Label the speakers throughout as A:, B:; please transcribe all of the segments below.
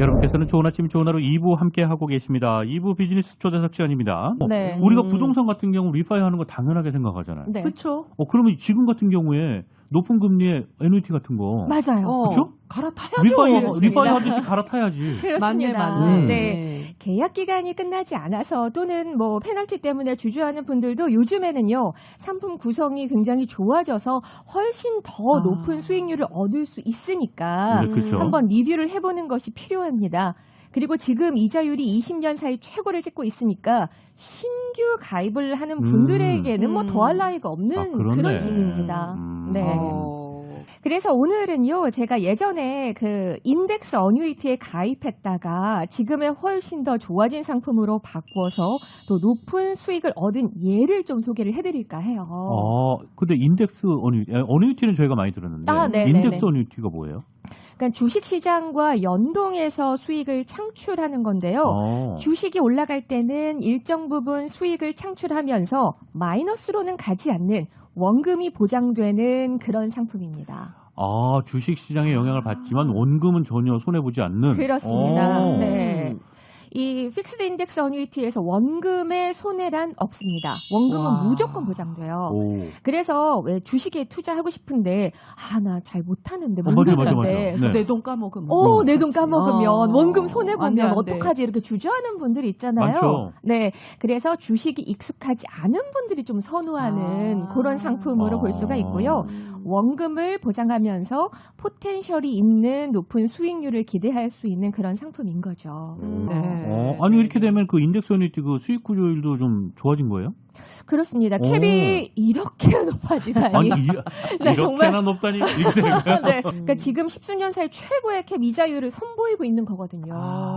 A: 여러분께서는 좋은 아침 좋은 하루 2부 함께하고 계십니다. 2부 비즈니스 초대석 시간입니다.
B: 네.
A: 우리가 부동산 같은 경우 리파이하는 거 당연하게 생각하잖아요.
B: 네.
C: 그렇죠.
A: 그러면 지금 같은 경우에 높은 금리의 애누이티 같은 거
B: 맞아요.
A: 그렇죠?
C: 갈아타야죠.
A: 리파이 하듯이 갈아타야지.
B: 그렇습니다.
C: 맞네.
B: 네. 계약 기간이 끝나지 않아서 또는 뭐 페널티 때문에 주저하는 분들도 요즘에는요, 상품 구성이 굉장히 좋아져서 훨씬 더 높은 수익률을 얻을 수 있으니까
A: 네, 그렇죠.
B: 한번 리뷰를 해보는 것이 필요합니다. 그리고 지금 이자율이 20년 사이 최고를 찍고 있으니까 신규 가입을 하는 분들에게는 뭐 더할 나위가 없는
A: 그렇네.
B: 그런 시기입니다. 네. 그래서 오늘은요, 제가 예전에 그 인덱스 어뉴이티에 가입했다가 지금의 훨씬 더 좋아진 상품으로 바꿔서 또 높은 수익을 얻은 예를 좀 소개를 해드릴까 해요.
A: 근데 인덱스 어뉴이티는 저희가 많이 들었는데
B: 네,
A: 인덱스 어뉴이티가 뭐예요?
B: 그러니까 주식시장과 연동해서 수익을 창출하는 건데요. 주식이 올라갈 때는 일정 부분 수익을 창출하면서 마이너스로는 가지 않는 원금이 보장되는 그런 상품입니다.
A: 주식 시장에 영향을 받지만 원금은 전혀 손해보지 않는.
B: 그렇습니다. 네. 이 픽스드 인덱스 어뉴이티에서 원금의 손해란 없습니다. 원금은 무조건 보장돼요. 그래서 왜 주식에 투자하고 싶은데 나 잘 못하는데 못하는데
A: 네.
C: 내 돈 까먹으면
B: 내 돈 까먹으면 원금 손해 보면
C: 안 돼.
B: 어떡하지 이렇게 주저하는 분들이 있잖아요.
A: 많죠.
B: 네, 그래서 주식이 익숙하지 않은 분들이 좀 선호하는 그런 상품으로 볼 수가 있고요. 원금을 보장하면서 포텐셜이 있는 높은 수익률을 기대할 수 있는 그런 상품인 거죠.
A: 아니 이렇게 되면 그 인덱스 어뉴이티 그 수익 구조율도 좀 좋아진 거예요?
B: 그렇습니다. 캡이 이렇게 높아지다니.
A: 아니
B: 네,
A: 이렇게나
B: 정말.
A: 높다니 이렇게 되는 거야?
B: 네, 그러니까 지금 10수년 사이 최고의 캡 이자율을 선보이고 있는 거거든요.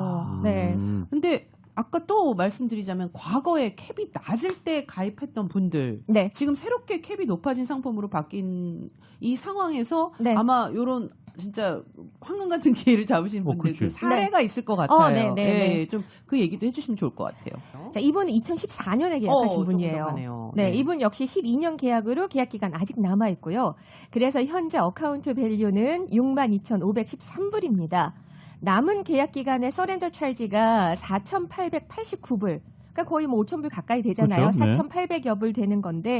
B: 네.
C: 근데 아까 또 말씀드리자면 과거에 캡이 낮을 때 가입했던 분들
B: 네.
C: 지금 새롭게 캡이 높아진 상품으로 바뀐 이 상황에서
B: 네.
C: 아마 요런 진짜 황금 같은 기회를 잡으신 분들 그 사례가 있을 것 같아요.
B: 네.
C: 좀 그 얘기도 해주시면 좋을 것 같아요.
B: 자, 이분은 2014년에 계약하신 분이에요. 네, 이분 역시 12년 계약으로 계약 기간 아직 남아 있고요. 그래서 현재 어카운트 밸류는 62,513불입니다. 남은 계약 기간의 서렌더 찰지가 4,889불. 그러니까 거의 뭐 5,000불 가까이 되잖아요.
A: 그렇죠? 네.
B: 4,800여 불 되는 건데,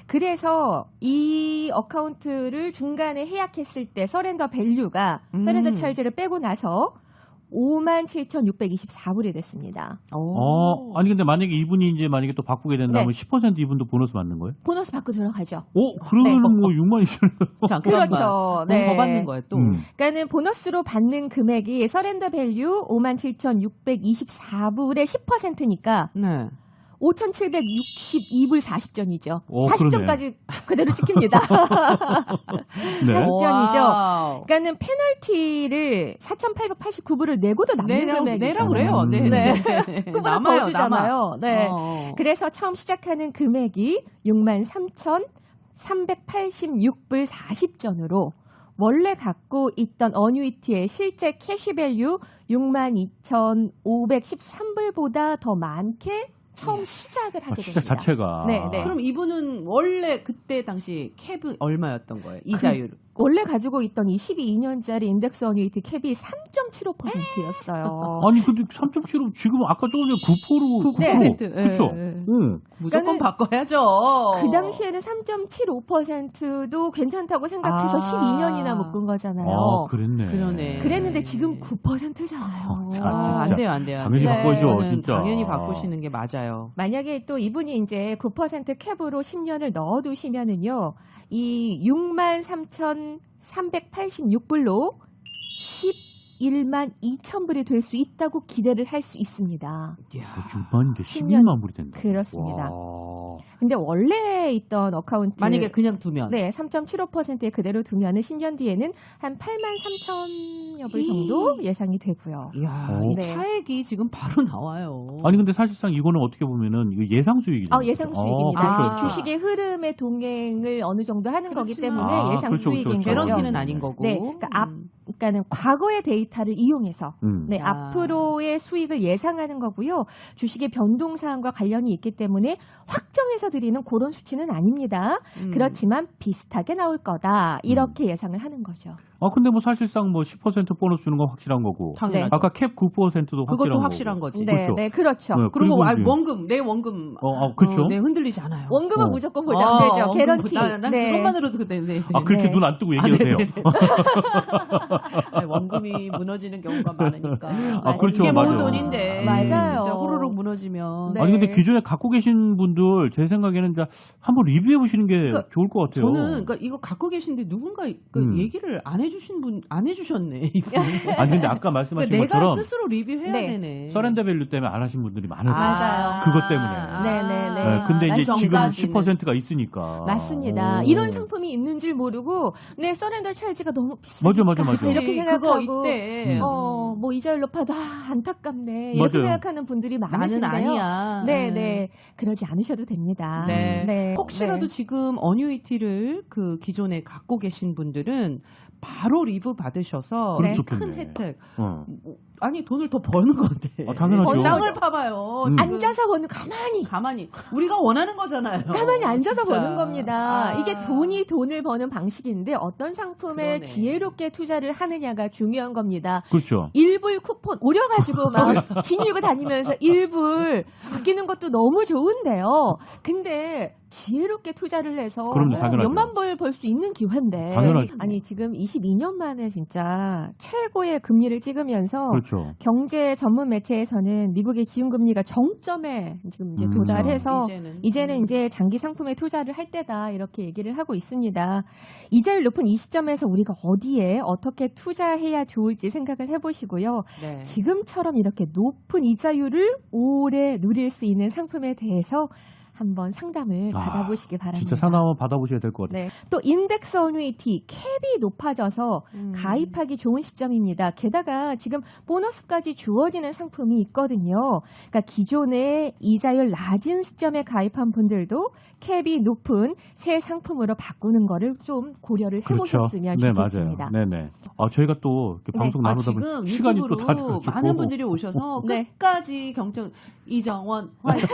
B: 그래서 이 어카운트를 중간에 해약했을 때 서렌더 밸류가 서렌더 찰지를 빼고 나서 57,624불이 됐습니다.
A: 아니 근데 만약에 이분이 이제 만약에 또 바꾸게 된다면 10% 이분도 보너스 받는 거예요?
B: 보너스 받고 들어가죠.
A: 그러면은 뭐 6만 2천.
B: 그렇죠. 네.
C: 더 받는 거예요, 또.
B: 그러니까는 보너스로 받는 금액이 서렌더 밸류 57,624불의 10%니까
C: 네.
B: 5,762불 40전이죠.
A: 그러네.
B: 40전까지 그대로 찍힙니다.
A: 네.
B: 40전이죠. 그러니까는 페널티를 4,889불을 내고도 남는 금액이죠.
C: 내라 그래요. 네.
B: 그보다 더 주잖아요. 네. 그래서 처음 시작하는 금액이 63,386불 40전으로 원래 갖고 있던 어뉴이티의 실제 캐시밸류 62,513불보다 더 많게 처음 시작을 하게 됩니다.
A: 시작 자체가.
B: 네.
C: 그럼 이분은 원래 그때 당시 캡이 얼마였던 거예요? 이자율.
B: 원래 가지고 있던 이 12년짜리 인덱스 어뉴이티 캡이 3.75%였어요.
A: 아니 근데 3.75 지금 아까 조금 전에 9%로
C: 9%.
A: 그렇죠.
C: 무조건 바꿔야죠.
B: 그 당시에는 3.75%도 괜찮다고 생각해서 12년이나 묶은 거잖아요.
A: 그랬네.
B: 그랬는데 지금 9%잖아요.
C: 안 돼요.
A: 당연히 바꿔야죠, 진짜.
C: 당연히 바꾸시는 게 맞아요.
B: 만약에 또 이분이 이제 9% 캡으로 10년을 넣어두시면은요, 이 63,386불로 11만 2천 불이 될 수 있다고 기대를 할 수 있습니다.
A: 6만인데 11만 불이 된다.
B: 그렇습니다.
A: 와.
B: 근데 원래 있던 어카운트
C: 만약에 그냥 두면
B: 3.75%에 그대로 두면은 10년 뒤에는 한 8만 3천여 불 정도 예상이 되고요.
C: 이야, 이 차액이 지금 바로 나와요.
A: 아니 근데 사실상 이거는 어떻게 보면은 이거 예상 수익이죠.
B: 예상 수익입니다.
A: 그렇죠.
B: 주식의 흐름의 동행을 어느 정도 하는 거기 때문에 예상
A: 그렇죠,
B: 수익인 거죠.
C: 개런티는 아닌 거고.
B: 네, 그러니까는 과거의 데이터를 이용해서 앞으로의 수익을 예상하는 거고요. 주식의 변동 사항과 관련이 있기 때문에 확정해서 드리는 그런 수치는 아닙니다. 그렇지만 비슷하게 나올 거다. 이렇게 예상을 하는 거죠.
A: 근데 뭐 사실상 뭐 10% 보너스 주는 건 확실한 거고.
C: 당연하죠.
A: 아까 캡 9%도
C: 그것도
A: 확실한
C: 확실한
A: 거고.
C: 거지.
B: 네,
A: 그렇죠.
B: 네, 그렇죠.
A: 네,
C: 그리고
A: 이제-
C: 원금, 내 원금.
A: 그렇죠.
C: 네, 흔들리지 않아요.
B: 원금은 무조건 보장되죠.
C: 원금
B: 개런티.
C: 난
B: 네.
C: 그것만으로도 네.
A: 그렇게
B: 네.
A: 눈 안 뜨고 얘기해도 돼요.
C: 네, 원금이 무너지는 경우가 많으니까.
A: 그렇죠.
C: 이게 모은
A: 맞아.
C: 돈인데.
B: 맞아요.
C: 진짜 호로록 무너지면.
B: 네.
A: 아니 근데 기존에 갖고 계신 분들 제 생각에는 이제 한번 리뷰해 보시는 게
C: 그러니까
A: 좋을 것 같아요.
C: 저는 그러니까 이거 갖고 계신데 누군가 얘기를 안 해주신 분 안 해주셨네. 이거.
A: 아니 근데 아까 말씀하신
C: 그러니까 내가
A: 것처럼
C: 스스로 리뷰해야
B: 네.
C: 되네.
A: 서렌더 밸류 때문에 안 하신 분들이 많을 거예요.
B: 맞아요.
A: 그것 때문에.
B: 네네네.
A: 근데 이제 지금
C: 전까지는.
A: 10%가 있으니까.
B: 맞습니다.
A: 오.
B: 이런 상품이 있는 줄 모르고 내 서렌더 찰지가 너무 비싸니까
A: 맞아.
B: 이렇게 생각하고
C: 그거 이때
B: 뭐 이자율 높아도 안타깝네 이렇게
A: 맞아요.
B: 생각하는 분들이
C: 나는
B: 많으신데요.
C: 아니야.
B: 네. 그러지 않으셔도 됩니다.
C: 네. 혹시라도
B: 네.
C: 지금 어뉴이티를 그 기존에 갖고 계신 분들은 바로 리뷰 받으셔서
A: 그럼
B: 네.
C: 큰
A: 좋겠네.
C: 혜택.
A: 어.
C: 아니 돈을 더 버는 건데.
A: 당연하죠.
C: 땅을 파봐요. 지금
B: 앉아서 버는
C: 가만히 우리가 원하는 거잖아요.
B: 가만히 앉아서
C: 진짜.
B: 버는 겁니다.
C: 아.
B: 이게 돈을 버는 방식인데 어떤 상품에
C: 그러네.
B: 지혜롭게 투자를 하느냐가 중요한 겁니다.
A: 그렇죠.
B: 일불 쿠폰 오려가지고 막 지니고 다니면서 일불 아끼는 것도 너무 좋은데요. 근데 지혜롭게 투자를 해서
A: 그럼요, 당연하죠.
B: 몇만 벌 벌 수 있는 기회인데
A: 당연하죠.
B: 아니 지금 22년 만에 진짜 최고의 금리를 찍으면서
A: 그렇죠.
B: 경제 전문 매체에서는 미국의 기준금리가 정점에 지금 이제 도달해서 이제는 이제 장기 상품에 투자를 할 때다 이렇게 얘기를 하고 있습니다. 이자율 높은 이 시점에서 우리가 어디에 어떻게 투자해야 좋을지 생각을 해보시고요.
C: 네.
B: 지금처럼 이렇게 높은 이자율을 오래 누릴 수 있는 상품에 대해서 한번 상담을 받아보시기 바랍니다.
A: 진짜 상담 한번 받아보셔야 될 것 같아요.
B: 네. 또 인덱스 어뉴이티 캡이 높아져서 가입하기 좋은 시점입니다. 게다가 지금 보너스까지 주어지는 상품이 있거든요. 그러니까 기존에 이자율 낮은 시점에 가입한 분들도 캡이 높은 새 상품으로 바꾸는 거를 좀 고려를 해보셨으면
A: 네,
B: 좋겠습니다.
A: 맞아요. 네네. 저희가 또 이렇게
B: 네.
A: 방송 나누다 보니
C: 지금
A: 시간이 또 다
C: 유튜브로
A: 돼가지고
C: 많은 분들이 오셔서
B: 네.
C: 끝까지 경청 이정원 화이팅.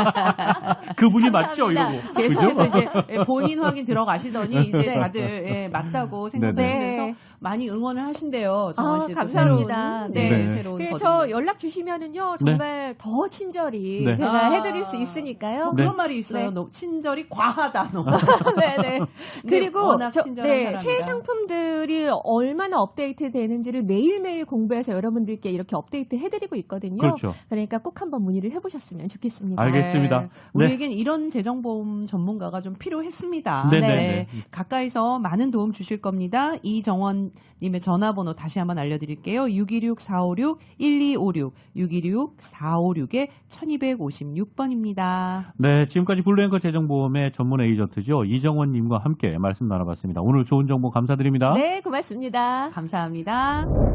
A: 그분이 맞죠
B: 감사합니다.
A: 이러고.
C: 계속해서
A: 그죠?
C: 이제 본인 확인 들어가시더니 이제
B: 네.
C: 다들 맞다고 생각하시면서
B: 네.
C: 많이 응원을 하신대요. 정원 씨도
B: 감사합니다.
C: 새로운,
A: 네.
C: 새로운
B: 그래서
C: 버전.
B: 저 연락 주시면은요 정말 더 친절히
A: 네.
B: 제가 해드릴 수 있으니까요.
C: 뭐
A: 네.
C: 그런 말이 있어요.
B: 네.
C: 너 친절이 과하다. 너.
B: 네네. 그리고
C: 워낙 친절한 사람이라.
B: 새 상품들이 얼마나 업데이트 되는지를 매일매일 공부해서 여러분들께 이렇게 업데이트 해드리고 있거든요.
A: 그렇죠.
B: 그러니까 꼭 한번 문의를 해보셨으면 좋겠습니다.
A: 알겠습니다. 네.
C: 우리에겐 이런 재정보험 전문가가 좀 필요했습니다.
A: 네네네.
C: 가까이서 많은 도움 주실 겁니다. 이정원님의 전화번호 다시 한번 알려드릴게요. 616-456-1256, 616-456-1256번입니다.
A: 네, 지금까지 블루앵커 재정보험의 전문 에이전트죠. 이정원님과 함께 말씀 나눠봤습니다. 오늘 좋은 정보 감사드립니다.
B: 네, 고맙습니다.
C: 감사합니다.